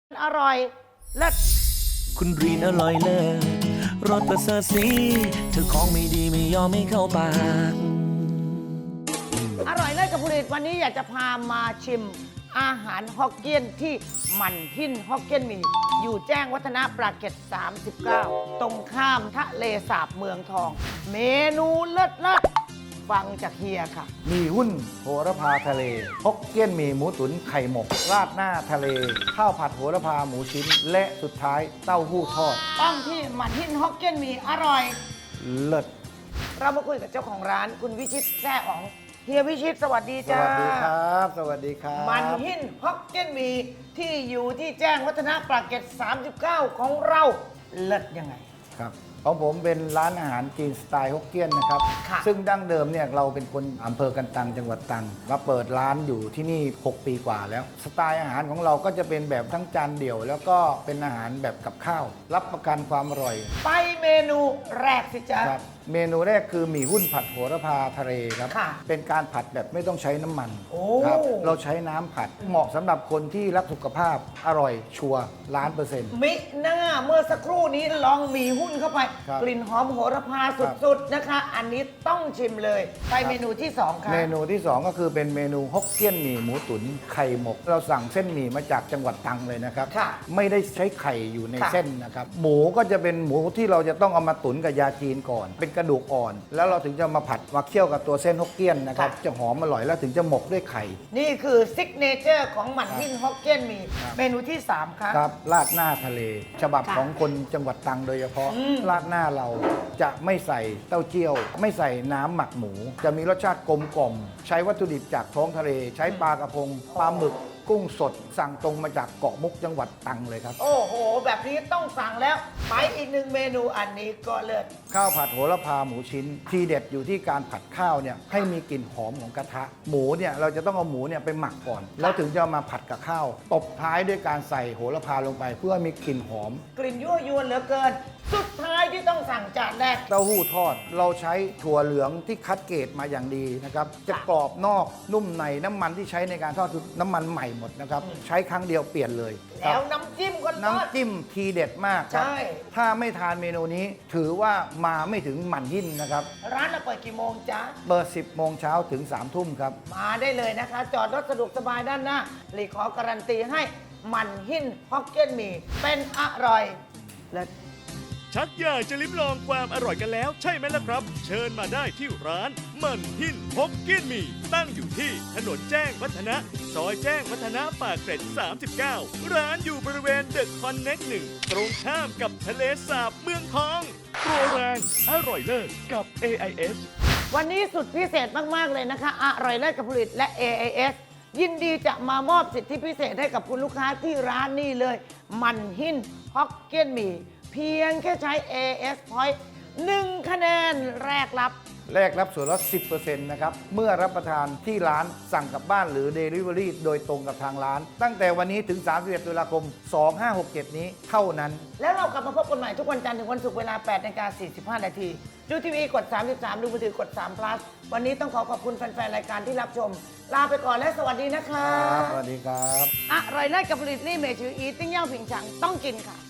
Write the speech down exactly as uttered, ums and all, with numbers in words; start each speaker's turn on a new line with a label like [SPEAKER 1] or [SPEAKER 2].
[SPEAKER 1] อร่อยเลิศ
[SPEAKER 2] คุณรีนอร่อยเลิศรสประเสริฐสีเธอของไม่ดีไม่ยอมไม่เข้าปาก
[SPEAKER 1] อร่อยเลิศกับผลิตวันนี้อยากจะพามาชิมอาหารฮอกเกี้ยนที่หมั่นหินฮอกเกี้ยนหมี่อยู่แจ้งวัฒนะปราเกตสามสิบเก้าตรงข้ามทะเลสาบเมืองทอง เมนูเลิศเลิศฟังจากเฮียค่ะ
[SPEAKER 3] มีหุ้นโหระพาทะเลฮกเกี้ยนหมี่หมูตุ๋นไข่หมก ราดหน้าทะเล ข้าวผัดโหระพาหมูชิ้น และสุดท้ายเต้าหู้ทอด
[SPEAKER 1] ต้องที่หมั่นหินฮอกเกี้ยนหมี่อร่อย
[SPEAKER 3] เลิศ
[SPEAKER 1] เรามาคุยกับเจ้าของร้านคุณวิชิตแซ่อ๋องเฮียวิชิตสวัสดี
[SPEAKER 3] ส
[SPEAKER 1] จ้า
[SPEAKER 3] วัสดีครับ สวัสดีครับ
[SPEAKER 1] มันหินฮอกเกี้ยนหมี่ที่อยู่ที่แจ้งวัฒนะปราเกตสามสิบเก้าของเราเลิศยังไง
[SPEAKER 3] ครับของผมเป็นร้านอาหารจีนสไตล์ฮกเกี้ยนนะครับ
[SPEAKER 1] ค่ะ
[SPEAKER 3] ซึ่งดั้งเดิมเนี่ยเราเป็นคนอำเภอกันตังจังหวัดตรังมาเปิดร้านอยู่ที่นี่หกปีกว่าแล้ว สไตล์อาหารของเราก็จะเป็นแบบทั้งจานเดี่ยว แล้วก็เป็นอาหารแบบกับข้าว รับประกันความอร่อย
[SPEAKER 1] ไปเมนูแรกสิจ๊ะ
[SPEAKER 3] ครับเมนูแรกคือหมี่หุ้นผัดโหระพาทะเลครับ
[SPEAKER 1] ค่ะ
[SPEAKER 3] เป็นการผัดแบบไม่ต้องใช้น้ำมัน
[SPEAKER 1] โอ้
[SPEAKER 3] ครับเราใช้น้ำผัดเหมาะสำหรับคนที่รักสุขภาพอร่อยชัวร์ล้านเปอร์เซ็นต์
[SPEAKER 1] มิหน้าเมื่อสักครู่นี้ลองหมีหุ้นเข้าไป
[SPEAKER 3] ครับ
[SPEAKER 1] กลิ่นหอมโหระพาสุดๆนะคะ อันนี้ต้องชิมเลย ไปเมนูที่สองค่ะ
[SPEAKER 3] เมนูที่ สอง ก็คือเป็นเมนูฮกเกี้ยนหมี่หมูตุ๋นไข่หมก เราสั่งเส้นหมี่มาจากจังหวัดตรังเลยนะครับ
[SPEAKER 1] ค่ะ
[SPEAKER 3] ไม่ได้ใช้ไข่อยู่ใน
[SPEAKER 1] ค่ะ
[SPEAKER 3] เส้นนะครับ หมูก็จะเป็นหมูที่เราจะต้องเอามาตุ๋นกับยาจีนก่อน เป็นกระดูกอ่อน แล้วเราถึงจะมาผัดมาเคี่ยวกับตัวเส้นฮกเกี้ยนนะครับ
[SPEAKER 1] ค่ะ
[SPEAKER 3] จะหอมอร่อยแล้วถึงจะหมกด้วยไข่
[SPEAKER 1] นี่คือซิกเนเจอร์ของหมั่นหินฮอกเกี้ยนหมี่
[SPEAKER 3] ครับ
[SPEAKER 1] เมนูที่สามค่ะ
[SPEAKER 3] ครับราดหน้าทะเล ฉบับ
[SPEAKER 1] ค่ะ
[SPEAKER 3] ของคนจังหวัดตรังโดยเฉพาะ
[SPEAKER 1] อืม
[SPEAKER 3] ราดหน้าเราจะไม่ใส่เต้าเจี้ยว ไม่ใส่น้ำหมักหมู จะมีรสชาติกลมกล่อม ใช้วัตถุดิบจากท้องทะเล ใช้ปลากระพงปลาหมึก กุ้งสด สั่งตรงมาจากเกาะมุกจังหวัดตรังเลยครับ
[SPEAKER 1] โอ้โห แบบนี้ต้องสั่งแล้ว ไปอีกหนึ่งเมนูอันนี้ก็เลิศ
[SPEAKER 3] ข้าวผัดโหระพาหมูชิ้น ทีเด็ดอยู่ที่การผัดข้าวเนี่ยให้มีกลิ่นหอมของกระทะ หมูเนี่ยเราจะต้องเอาหมูเนี่ยไปหมักก่อน แล้วถึงจะเอามาผัดกับข้าว ตบท้ายด้วยการใส่โหระพาลงไป เพื่อให้มีกลิ่นหอม
[SPEAKER 1] กลิ่นยั่วยวนเหลือเกิน สุดท้ายที่ต้องสั่งจานแรก
[SPEAKER 3] เต้าหู้ทอดเราใช้ถั่วเหลืองที่คัดเกรดมาอย่างดีนะครับจะกรอบนอกนุ่มในน้ำมันที่ใช้ในการทอดคือน้ำมันใหม่หมดนะครับใช้ครั้งเดียวเปลี่ยนเลยค
[SPEAKER 1] แล้
[SPEAKER 3] รับ
[SPEAKER 1] วน้ำจิ้มก็ทอด
[SPEAKER 3] น้ำจิ้มทีเด็ดมากครับ
[SPEAKER 1] ใช่
[SPEAKER 3] ถ้าไม่ทานเมนูนี้ถือว่ามาไม่ถึงหมั่นหินนะครับ
[SPEAKER 1] ร้านเราเปิดกี่โมงจ๊ะ
[SPEAKER 3] เปิดสิบโมงเช้าถึงสามทุ่มครับ
[SPEAKER 1] มาได้เลยนะคะ จอดรถสะดวกสบายด้านหน้าหลีขอการันตีให้หมันหินฮอกเกี้ยนหมี่เป็นอร่อยและ
[SPEAKER 4] ชักอยากจะลิ้มลองความอร่อยกันแล้วใช่ไหมล่ะครับ เชิญมาได้ที่ร้านมันหินฮกเกี้ยนหมี่ตั้งอยู่ที่ถนนแจ้งวัฒนะ ซอยแจ้งวัฒนะปากเกร็ด สามสิบเก้า ร้านอยู่บริเวณเดอะคอนเน็กหนึ่งตรงข้ามกับทะเลสาบเมืองทองโปรแรงอร่อยเลิศกับ เอ ไอ เอส
[SPEAKER 1] วันนี้สุดพิเศษมาก ๆ เลยนะคะ อร่อยเลิศกับผลิตและ เอ ไอ เอส ยินดีจะมามอบสิทธิพิเศษให้กับคุณลูกค้าที่ร้านนี่เลย มันหินฮอกเกี้ยนหมี่เพียงแค่ใช้ เอ เอส Point หนึ่งคะแนนแรกรับ
[SPEAKER 3] แรกรับส่วนลด สิบเปอร์เซ็นต์ นะครับ เมื่อรับประทานที่ร้านสั่งกลับบ้านหรือ Delivery โดยตรงกับทางร้าน ตั้งแต่วันนี้ถึง สามสิบเอ็ดตุลาคม สองห้าหกเจ็ด นี้เท่านั้น
[SPEAKER 1] แล้วเรากลับมาพบกันใหม่ทุกวันจันทร์ถึงวันศุกร์เวลา แปดนาฬิกาสี่สิบห้า นาที ดูทีวีกด สามสิบสาม ดูมือถือกด สาม plus วันนี้ต้องขอขอบคุณแฟน ๆ รายการที่รับชม ลาไปก่อนและสวัสดีนะคะ
[SPEAKER 3] ครับ สวัสดีครับ
[SPEAKER 1] อร่อยเลิศกับผลิตนี่เมชืออีติ้งเย่าผิงฉังต้องกินค่ะ